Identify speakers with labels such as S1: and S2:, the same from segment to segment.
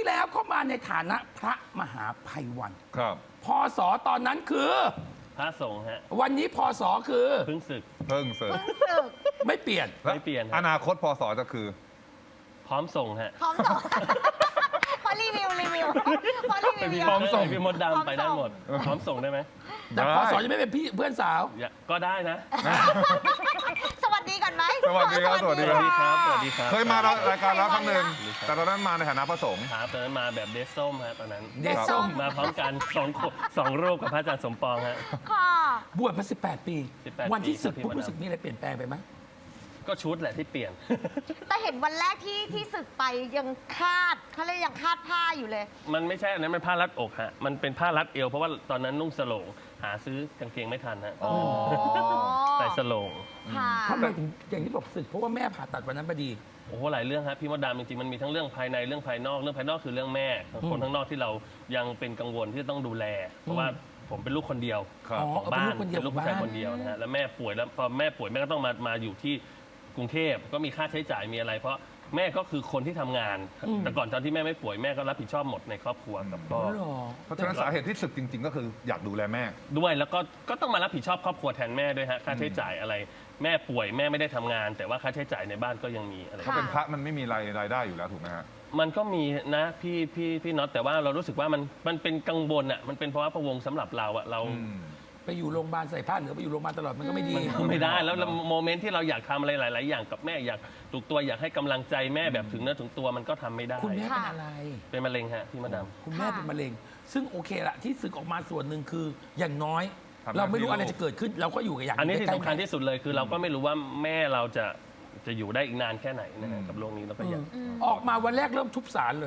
S1: ที่แล้วเข้ามาในฐานะพระมหาไพวัน
S2: ครับ
S1: พศตอนนั้นคือ
S3: พระสงฆ์ฮะ
S1: วันนี้พศคือ
S3: เพิ่งศึก
S2: เพิ่งเสร็จ
S1: ไม่เปลี่ยน
S3: ไม่เปลี่ยนครับ
S2: อนาคตพศจะคือ
S3: พร้อมส่งฮะ
S4: พร้อมส่งพอรีวิวพอรีวิว
S2: พร้อมส่ง
S3: พี่มดดำไปได้หมด พร้อมส่งได้ไหม
S1: แต่พศจะไม่เป็นพี่เพื่อนสาว
S3: ก็ได้นะ
S4: สวัสดีก่อนไหม
S2: สวัสดีครับสวัสดี
S3: สวัสดีครับ สวัสดีครับ
S2: เคยมารายการแล้วครั้งหนึ่งแต่ตอนนั้นมาในฐานะพระสงฆ์
S3: ครับตอนนั้นมาแบบเดซส้มฮะตอนนั้น
S1: เดซส้ม
S3: มาพร้อมกันสองรูปกับพระอาจารย์สมปองฮะ
S4: ค่ะ
S1: บวชมา18 ปี
S3: 18
S1: วันที่ศึก
S3: ปี
S1: ปุ๊บ
S3: ครับ
S1: รู้สึกมีอะไรเปลี่ยนแปลงไปไหม
S3: ก็ชุดแหละที่เปลี่ยน
S4: แต่เห็นวันแรกที่ศึกไปยังคาดเขาเรียกยังคาดผ้าอยู่เลย
S3: มันไม่ใช่อันนั้นมันผ้ารัดอกฮะ มันเป็นผ้ารัดเอวเพราะว่าตอนนั้นนุ่งสโลงหาซื้อกางเกงไม่ทันฮะ
S4: อ๋อ
S3: ใส่สโลง
S4: ค่ะ
S1: ทำไมถึงอย่างที่บอกศึกเพราะว่าแม่ผ่าตัดวันนั้นพอดี
S3: โอ้โหหลายเรื่องครับพี่มดดำจริงๆมันมีทั้งเรื่องภายในเรื่องภายนอกเรื่องภายนอกคือเรื่องแม่คนข้างนอกที่เรายังเป็นกังวลที่จะต้องดูแล เพราะว่าผมเป็นลูกคนเดียว
S2: ครับ
S3: ของบ้าน
S1: เป็นลูกคนเดียว
S3: เป็นลูกผู้ชายคนเดียวนะฮะแล้วแม่ป่วยแล้วพอแม่ป่วยแม่ก็ต้องมาอยู่ที่กรุงเทพก็มีค่าใช้จ่ายมีอะไร เพราะแม่ก็คือคนที่ทำงาน แต่ก่อนตอนที่แม่ไม่ป่วยแม่ก็รับผิดชอบหมดในครอบครัวกับพ่อ
S1: หรอ
S2: เพราะฉะนั้นสาเหตุที่ศึกจริง ๆ ก็คืออยากดูแลแม่
S3: ด้วยแล้วก็ต้องมารับผิดชอบครอบครัวแทนแม่ด้วยฮะค่าใช้จ่ายอะไร แม่ป่วยแม่ไม่ได้ทำงาน แต่ว่าค่าใช้จ่ายในบ้านก็ยังมีอะไร
S2: เขาเป็นพระมันไม่มีรายได้อยู่แล้วถูกไหมฮะ
S3: มันก็มีนะพี่น็อตแต่ว่าเรารู้สึกว่ามันเป็นกังวลอ่ะมันเป็นเพราะว่าพะวงสำหรับเราอ่ะเรา
S1: ไปอยู่โรงพยาบาลใส่ผ้าเหลืองไปอยู่โรงพยาบาลตลอดมันก็ไม่ดี
S3: ไม่ได้แล้วโมเมนต์ที่เราอยากทำอะไรหลาย ๆ อย่างกับแม่อยากถูกตัวอยากให้กำลังใจแม่แบบถึงเนื้อถึงตัวมันก็ทำไม่ได้
S1: คุณแม่เป็นอะไร
S3: เป็นมะเร็งฮะพี่มดด
S1: คุณแม่เป็นมะเร็ง ซึ่งโอเคละที่ศึกออกมาส่วนหนึ่งคืออย่างน้อย
S2: ทำหน้าที่
S1: เราไม่รู้อะไรจะเกิดขึ้น เราก็อยู่กับอย่าง
S3: ำอันนี้ที่
S1: ใกล้ๆ
S3: สำคัญที่สุดเลยคือเราก็ไม่รู้ว่าแม่เราจะอยู่ได้อีกนานแค่ไหนนะฮะกับโรคนี้เราก็อยาก
S1: ออกมาวันแรกเริ่มทุบสารเลย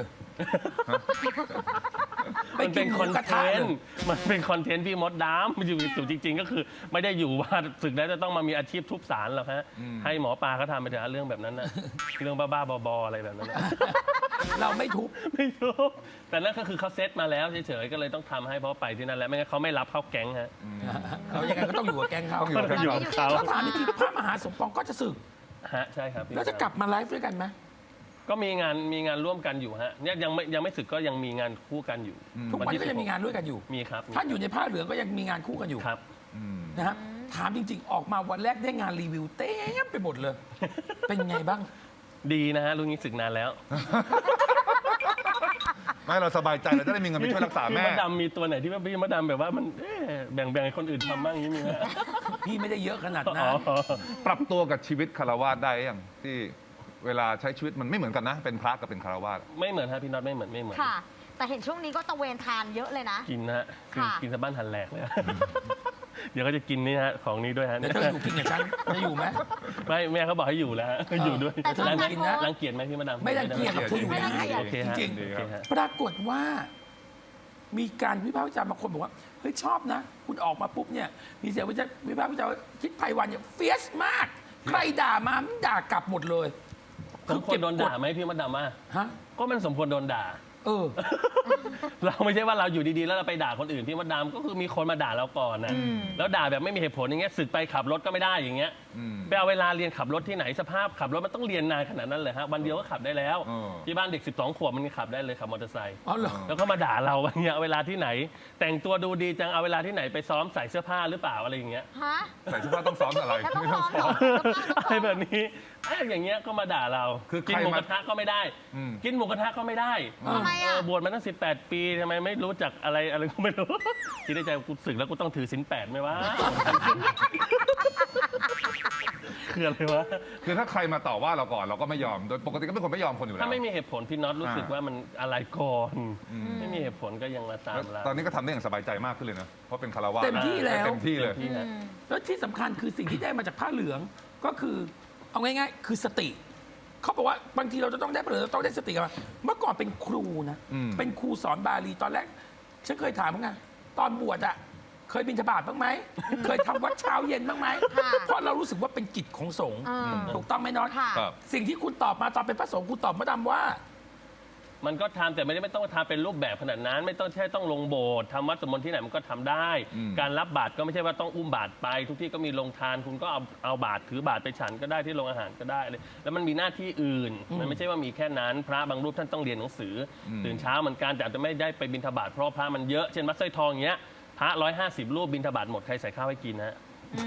S1: ไป
S3: มัน
S1: กิ
S3: เป็น น
S1: ห
S3: ค
S1: มู
S3: อน
S1: กระ
S3: เท
S1: ทะ
S3: น
S1: เลย
S3: ต์มันเป็นคอนเทนต์พี่มดดำมันอยู่จริง ๆ ก็คือ ไม่ได้อยู่ว่าศึกแล้วจะต้องมามีอาชีพทุบสารหรอกฮะให้หมอปลาเขาทำไปเถอะเรื่องแบบนั้นนะเรื่องบ้าๆบอๆอะไรแบบนั้นนะ
S1: เราไม่ทุบ
S3: ไม่รู้แต่นั่นก็คือเขาเซตมาแล้วเฉยๆก็เลยต้องทำให้เพราะไปที่นั่นแล้วไม่งั้นเขาไม่รับเข้าแก๊งฮะ
S1: เรายังไงก็ต้องอยู่กับแก๊งเขา
S2: ต้องอยู่กับ
S3: ต้องอยู่กับเขา
S1: ถ้าถามจริงๆพระมหาสมปองก็จะศึก
S3: ฮะใช่ครับพี่
S1: แล้วจะกลับมาไลฟ์ด้วยกันไหม
S3: ก็มีงานร่วมกันอยู่ฮะเนี่ยยังไม่สึกก็ยังมีงานคู่กันอยู่
S1: ทุกวันก็ยังมีงานด้วยกันอยู่
S3: มีครับ
S1: ท่านอยู่ในผ้าเหลืองก็ยังมีงานคู่กันอยู่
S3: ครับ
S1: นะฮะถามจริง ๆ ออกมาวันแรกได้งานรีวิวเต็มไปหมดเลย เป็นไงบ้าง
S3: ดีนะฮะลุงนี้ศึกนานแล้ว
S2: ไม่เราสบายใจเราจะได้มีเงินไปช่วยรักษา
S3: พี่
S2: แม่
S3: มดดำมีตัวไหนที่ว่าพี่มดดำแบบว่ามันแบ่งให้คนอื่นทำบ้างอย่างนี้มีไหม
S1: พี่ไม่ได้เยอะขนาด
S3: อ๋
S1: นั้น
S3: อ
S2: ปรับตัวกับชีวิตคารวาสได้ยังที่เวลาใช้ชีวิตมันไม่เหมือนกันนะ เป็นพระกับเป็นคารวาส
S3: ไม่เหมือนฮะพี่น็อตไม่เหมือน
S4: ค่ะ แต่เห็นช่วงนี้ก็ตะเวนทานเยอะเลยนะ
S3: กินนะฮะ
S4: ค่ะ
S3: กินสะบ้านหันแหลกเลย เดี๋ยวก็จะกินนี่ฮะของนี้ด้วยฮะ
S1: เดี๋ยวเธออยู่กินกับฉันจะอยู่ไหม
S3: ไม่แม่เขาบอกให้อยู่แล้วฮะอยู่ด้วย
S4: แต่ชอบ
S3: รัง
S4: การ
S3: เกียจ
S4: โพสต์
S3: รังเกียจไหมพี่มดดำ
S1: ไม่รังเกียจหรอกเธออยู่ได้
S3: โอเคฮะ
S1: จริง
S3: โอเคฮะ
S1: ๆปรากฏว่า มีการวิพากษ์วิจารณ์บางคนบอกว่าเฮ้ยชอบนะ คุณออกมาปุ๊บเนี่ยมีเสียงวิพากษ์วิจารณ์ว่าทิศไพวันเนี่ยเฟียสมาก ใครด่ามามันด่ากลับหมดเลย
S3: สมควรโดนด่าไหมพี่มดดำว่า
S1: ฮะ
S3: ก็มันสมควรโดนด่า
S1: เออ
S3: เราไม่ใช่ว่าเราอยู่ดีๆแล้วเราไปด่าคนอื่นพี่มดดำก็คือมีคนมาด่าเราก่อนนะแล้วด่าแบบไม่มีเหตุผลอย่างเงี้ยศึกไปขับรถก็ไม่ได้อย่างเงี้ยไปเอาเวลาเรียนขับรถที่ไหนสภาพขับรถมันต้องเรียนนานขนาดนั้นเลยฮะวันเดียวก็ขับได้แล้ว ที่บ้านเด็ก 12 ขวบมันขับได้เลยขับมอเตอร์ไซค์
S1: อ๋อเหรอ
S3: แล้วก็มาด่าเราอย่างเงี้ยเอาเวลาที่ไหน แต่งตัวดูดีจังเอาเวลาที่ไหนไปซ้อมใส่เสื้อผ้าหรือเปล่าอะไรอย่างเงี้ย
S4: ฮะ
S2: ใส่เสื้อผ้าต้องซ้อมอะไร
S4: แล้วต้อง
S2: ไม่ต้อง
S4: ซ้
S2: ซ้
S4: อ
S2: อ
S4: ม
S2: ม
S4: เหรอ
S3: อะไรแบบนี้อย่างเงี้ยก็มาด่าเรา
S2: คือใคร
S3: กินหมู
S2: มา
S3: กระทะก็ไม่ได้ กินหมูกระทะก็ไม่ได้
S4: ทำไมอ่ะ
S3: บวชมาตั้ง18 ปีทำไมไม่รู้จักอะไรก็ไม่รู้ คิดในใจกูศึกแล้วกูต้องถือศีล8ไหมวะ คืออะไรวะ
S2: คือถ้าใครมาต่อว่าเราก่อนเราก็ไม่ยอม โดยปกติก็เป็นคนไม่ยอมคนอยู่แล้ว
S3: ถ้าไม่มีเหตุผลพี่น็อตรู้สึกว่ามันอะไรก่อนไม่มีเหตุผลก็ยังมาตาม
S2: แล้ว
S3: เรา
S2: ตอนนี้ก็ทำได้อย่างสบายใจมากขึ้นเลยนะ เพราะเป็นคารวาส
S1: เต็มที่แล้ว
S2: เต็มที่เลย
S3: ที่ฮะ
S1: แล้วที่สำคัญคือสิ่งที่ได้มาจากผ้าเหลืองก็คือเอาง่ายๆ คือสติ เขาบอกว่าบางทีเราจะต้องได้ผ้าเหลืองเราต้องได้สติกันมาเมื่อก่อนเป็นครูนะ เป็นครูสอนบาลีตอนแรก ฉันเคยถามว่าไงตอนบวชอะเคยบิณฑบาตบ้างไหม เคยทำวัดเช้าเย็นบ้างไหม
S4: ค่ะ
S1: เพราะเรารู้สึกว่าเป็นกิจของสงฆ์
S4: อืม
S1: ถูกต้องไหมน็อต
S4: ค่ะ
S2: ครับ
S1: สิ่งที่คุณตอบมาตอนเป็นพระสงฆ์คุณตอบมาดำว่า
S3: มันก็ทำแต่ไม่ต้องทำเป็นรูปแบบขนาดนั้น ไม่ต้องใช่ต้องลงโบสถ์ทำวัดสวดมนต์ที่ไหนมันก็ทำได้ การรับบาตรก็ไม่ใช่ว่าต้องอุ้มบาตรไป ทุกที่ก็มีโรงทานคุณก็เอาบาตรถือบาตรไปฉันก็ได้ที่โรงอาหารก็ได้เลยแล้วมันมีหน้าที่อื่น มันไม่ใช่ว่ามีแค่นั้นพระบางรูปท่านต้องเรียนหนังสือตื่นเช้าเหมือนกันแต่อาจจะไม่ได้ไปบิณฑบาตเพราะพระมันเยอะเช่นวัดสร้อยทองอย่างเงี้ยพระ150 รูปบิณฑบาตหมดใครใส่ข้าวให้กินฮะ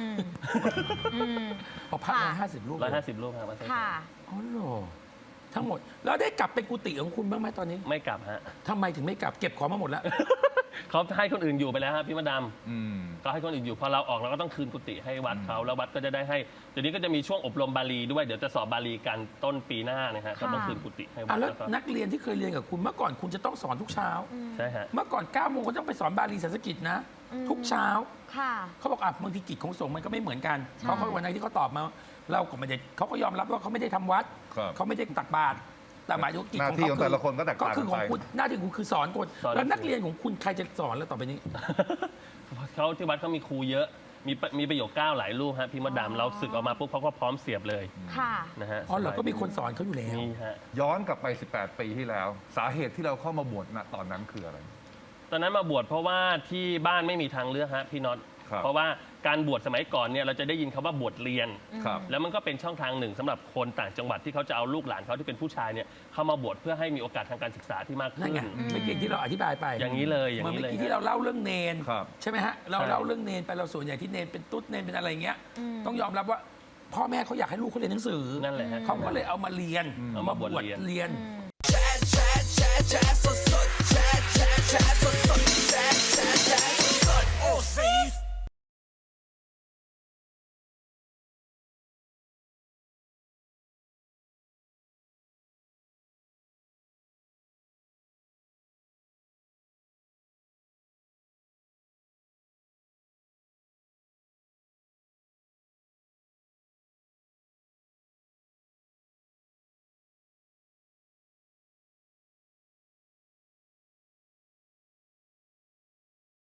S1: พอพักมา50 รูปเลย
S3: 150 รูปครับวัดสร้อยทอ
S4: ค่ะ
S3: ง
S1: อ๋อเหรอทั้งหมดแล้วได้กลับไปกุฏิของคุณบ้างไหมตอนนี้
S3: ไม่กลับฮะ
S1: ทำไมถึงไม่กลับเก็บของมาหมดแล้ว
S3: เขาให้คนอื่นอยู่ไปแล้วฮะพี่มดด
S2: อืม
S3: ำก็ให้คนอื่นอยู่พอเราออกเราก็ต้องคืนกุฏิให้วัดเขาแล้ววัดก็จะได้ให้เดี๋ยวนี้ก็จะมีช่วงอบรมบาลีด้วยเดี๋ยวจะสอบบาลีกันต้นปีหน้านะฮะก็ต้องคืนกุฏิให้วั
S1: อ่ะ
S3: ด
S1: แล้ว
S3: แล้วก็
S1: นักเรียนที่เคยเรียนกับคุณเมื่อก่อนคุณจะต้องสอนทุกเช้า
S3: ใช่ฮะ
S1: เมื่อก่อน9 โมงก็ต้องไปสอนบาลีสันสกฤตนะ ทุกเช้า
S4: ค่ะ
S1: เขาบอกอ่ะบางทีกิจของสงฆ์มันก็ไม่เหมือนกัน
S4: ใช่
S1: เขาวันนั้นที่เขาตอบมา เราก็ไม่ได้เขาก็ยอมรับว่าเขาไม่ได้ทำวัด
S2: ครับ
S1: เขาไม่ได้ตักบาตรแต่หมายถึงกิจ
S2: หน้า
S1: ของ
S2: ที่
S1: เขา
S2: ของแต่ละคนก็แตก
S1: ก็
S2: ต่าง
S1: คือ
S2: กัน
S1: ของ
S2: ไป
S1: คุณหน้าที่ของคุณคือสอนคน
S3: สอน
S1: แล้วนักเรียนของคุณใครจะสอนแล้วต่อไปนี้
S3: เขาที่วัดเขามีครูเยอะมีประโยค9หลายรูปฮะพี่มดดำเราศึกออกมาปุ๊บเขาก็พร้อมเสียบเลย
S4: ค่ะ
S3: นะฮะ
S1: อ๋อเหราก็มีคนสอนเขาอยู่แล้ว
S3: มีฮะ
S2: ย้อนกลับไป 18 ปีที่แล้ว สาเหตุที่เราเข้ามาบวชณตอนนั้นคืออะไร
S3: ตอนนั้นมาบวชเพราะว่าที่บ้านไม่มีทางเลือกฮะพี่น็อต
S2: ครับ
S3: เพราะว่าการบวชสมัยก่อนเนี่ยเราจะได้ยินคำว่าบวชเรียน
S2: ครับ
S3: แล้วมันก็เป็นช่องทางหนึ่งสำหรับคนต่างจังหวัดที่เขาจะเอาลูกหลานเขาที่เป็นผู้ชายเนี่ยเข้ามาบวชเพื่อให้มีโอกาสทางการศึกษาที่มาก
S1: นั่น
S3: ขึ้น
S1: ไงเมื่อกี้ที่เราอธิบายไป
S3: อย่างนี้เลยอย่าง
S1: เมื่อ
S3: นี้เลย
S1: กี้ที่เราเล่าเรื่องเนน
S2: ครับ
S1: ใช่ไหมฮะเรา
S3: ใช่
S1: เล่าเรื่องเนนไปเราส่วนใหญ่ที่เนนเป็นตุ๊ดเนนเป็นอะไรเงี้ยต้องยอมรับว่าพ่อแม่เขาอยากให้ลูกเขาเรียนหนังสือ
S3: นั่นแหละฮะ
S1: เขาก็เลยเอามาเรียน
S3: เอามาบวชเรียน
S1: เรียน